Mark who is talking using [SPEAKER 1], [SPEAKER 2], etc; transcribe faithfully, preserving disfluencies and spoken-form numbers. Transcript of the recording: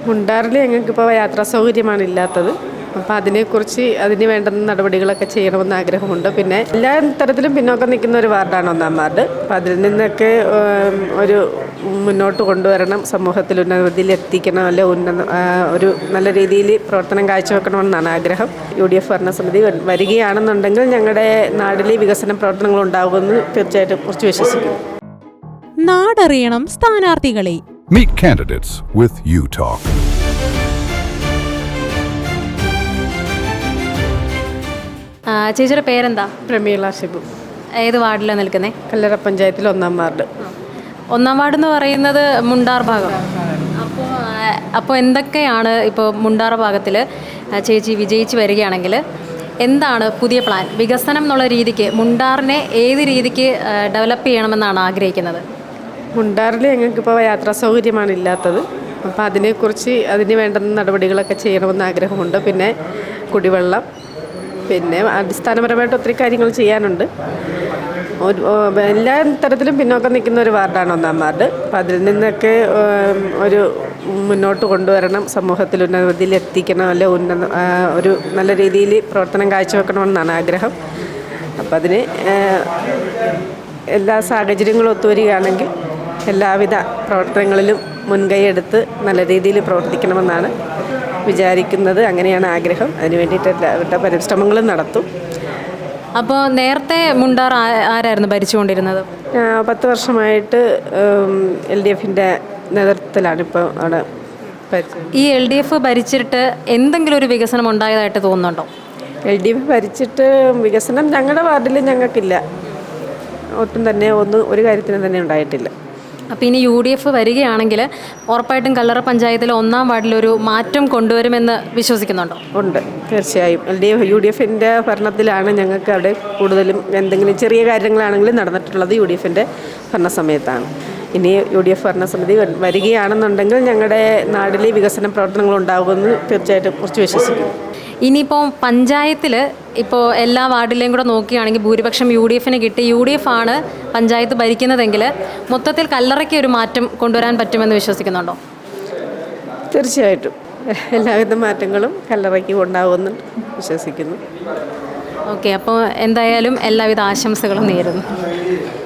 [SPEAKER 1] മുണ്ടാറിൽ ഞങ്ങൾക്കിപ്പോൾ യാത്രാ സൗകര്യമാണ് ഇല്ലാത്തത്. അപ്പോൾ അതിനെക്കുറിച്ച് അതിന് വേണ്ടുന്ന നടപടികളൊക്കെ ചെയ്യണമെന്ന് ആഗ്രഹമുണ്ട്. പിന്നെ എല്ലാ തരത്തിലും പിന്നോക്കം നിൽക്കുന്ന ഒരു വാർഡാണ് ഒന്നാം വാർഡ്. അപ്പോൾ അതിൽ നിന്നൊക്കെ ഒരു മുന്നോട്ട് കൊണ്ടുവരണം, സമൂഹത്തിൽ ഉന്നതിയിൽ എത്തിക്കണം, അല്ലെ ഉന്നത ഒരു നല്ല രീതിയിൽ പ്രവർത്തനം കാഴ്ചവെക്കണമെന്നാണ് ആഗ്രഹം. യു ഡി എഫ് ഭരണസമിതി വരികയാണെന്നുണ്ടെങ്കിൽ ഞങ്ങളുടെ നാട്ടിൽ വികസന പ്രവർത്തനങ്ങൾ ഉണ്ടാകുമെന്ന് തീർച്ചയായിട്ടും കുറച്ച് വിശ്വസിക്കുന്നു.
[SPEAKER 2] നാടറിയണം സ്ഥാനാർത്ഥികളെ.
[SPEAKER 3] Meet candidates with U Talk.
[SPEAKER 4] ചേച്ചിയുടെ പേരെന്താ?
[SPEAKER 1] പ്രമീള ഷിബു.
[SPEAKER 4] ഏത് വാർഡിലാണ് നിൽക്കുന്നത്?
[SPEAKER 1] കല്ലറ പഞ്ചായത്തിൽ ഒന്നാം വാർഡ്.
[SPEAKER 4] ഒന്നാം വാർഡ് എന്ന് പറയുന്നത് മുണ്ടാർ ഭാഗം. അപ്പോൾ അപ്പോൾ എന്തൊക്കെയാണ് ഇപ്പോൾ മുണ്ടാർ ഭാഗത്തിൽ ചേച്ചി വിജയിച്ച് വരികയാണെങ്കിൽ എന്താണ് പുതിയ പ്ലാൻ? വികസനം എന്നുള്ള രീതിക്ക് മുണ്ടാറിനെ ഏത് രീതിക്ക് ഡെവലപ്പ് ചെയ്യണമെന്നാണ് ആഗ്രഹിക്കുന്നത്?
[SPEAKER 1] മുണ്ടാറിൽ ഞങ്ങൾക്കിപ്പോൾ യാത്രാ സൗകര്യമാണ് ഇല്ലാത്തത്. അപ്പോൾ അതിനെക്കുറിച്ച് അതിന് വേണ്ടുന്ന നടപടികളൊക്കെ ചെയ്യണമെന്ന് ആഗ്രഹമുണ്ട്. പിന്നെ കുടിവെള്ളം, പിന്നെ അടിസ്ഥാനപരമായിട്ട് ഒത്തിരി കാര്യങ്ങൾ ചെയ്യാനുണ്ട്. ഒരു എല്ലാ തരത്തിലും പിന്നോക്കം നിൽക്കുന്ന ഒരു വാർഡാണ് ഒന്നാം വാർഡ്. അപ്പോൾ അതിൽ നിന്നൊക്കെ ഒരു മുന്നോട്ട് കൊണ്ടുവരണം, സമൂഹത്തിൽ ഉന്നതിയിൽ എത്തിക്കണം, അല്ലെ ഉന്നത ഒരു നല്ല രീതിയിൽ പ്രവർത്തനം കാഴ്ചവെക്കണമെന്നാണ് ആഗ്രഹം. അപ്പം അതിന് എല്ലാ സാഹചര്യങ്ങളും ഒത്തുവരികയാണെങ്കിൽ എല്ലാവിധ പ്രവർത്തനങ്ങളിലും മുൻകൈയെടുത്ത് നല്ല രീതിയിൽ പ്രവർത്തിക്കണമെന്നാണ് വിചാരിക്കുന്നത്. അങ്ങനെയാണ് ആഗ്രഹം. അതിന് വേണ്ടിയിട്ട് എല്ലാവരുടെ പരിശ്രമങ്ങളും നടത്തും.
[SPEAKER 4] അപ്പോൾ നേരത്തെ മുണ്ടാർ ആരായിരുന്നു ഭരിച്ചുകൊണ്ടിരുന്നത്?
[SPEAKER 1] പത്ത് വർഷമായിട്ട് എൽ ഡി എഫിൻ്റെ നേതൃത്വത്തിലാണ് ഇപ്പോൾ അവിടെ ഭരിച്ചത്.
[SPEAKER 4] ഈ എൽ ഡി എഫ് ഭരിച്ചിട്ട് എന്തെങ്കിലും ഒരു വികസനം ഉണ്ടായതായിട്ട് തോന്നുന്നുണ്ടോ?
[SPEAKER 1] എൽ ഡി എഫ് ഭരിച്ചിട്ട് വികസനം ഞങ്ങളുടെ വാർഡിൽ ഞങ്ങൾക്കില്ല. ഒട്ടും തന്നെ ഒന്നും ഒരു കാര്യത്തിനും തന്നെ ഉണ്ടായിട്ടില്ല.
[SPEAKER 4] അപ്പോൾ ഇനി യു ഡി എഫ് വരികയാണെങ്കിൽ ഉറപ്പായിട്ടും കല്ലറ പഞ്ചായത്തിലെ ഒന്നാം വാർഡിലൊരു മാറ്റം കൊണ്ടുവരുമെന്ന് വിശ്വസിക്കുന്നുണ്ടോ?
[SPEAKER 1] ഉണ്ട്, തീർച്ചയായും. L D F U D എഫിൻ്റെ ഭരണത്തിലാണ് ഞങ്ങൾക്ക് അവിടെ കൂടുതലും എന്തെങ്കിലും ചെറിയ കാര്യങ്ങളാണെങ്കിലും നടന്നിട്ടുള്ളത് യു ഡി എഫിൻ്റെ ഭരണസമയത്താണ്. ഇനി യു ഡി എഫ് ഭരണസമിതി വരികയാണെന്നുണ്ടെങ്കിൽ ഞങ്ങളുടെ നാട്ടിൽ വികസന പ്രവർത്തനങ്ങൾ ഉണ്ടാകുമെന്ന് തീർച്ചയായിട്ടും കുറച്ച് വിശ്വസിക്കുന്നു.
[SPEAKER 4] ഇനിയിപ്പോൾ പഞ്ചായത്തിൽ ഇപ്പോൾ എല്ലാ വാർഡിലെയും കൂടെ നോക്കുകയാണെങ്കിൽ ഭൂരിപക്ഷം യു ഡി എഫിന് കിട്ടി, യു ഡി എഫ് ആണ് പഞ്ചായത്ത് ഭരിക്കുന്നതെങ്കിൽ മൊത്തത്തിൽ കല്ലറയ്ക്ക് ഒരു മാറ്റം കൊണ്ടുവരാൻ പറ്റുമെന്ന് വിശ്വസിക്കുന്നുണ്ടോ?
[SPEAKER 1] തീർച്ചയായിട്ടും എല്ലാവിധ മാറ്റങ്ങളും കല്ലറയ്ക്ക് ഉണ്ടാകുമെന്ന് വിശ്വസിക്കുന്നു.
[SPEAKER 4] ഓക്കെ, അപ്പോൾ എന്തായാലും എല്ലാവിധ ആശംസകളും നേരുന്നു.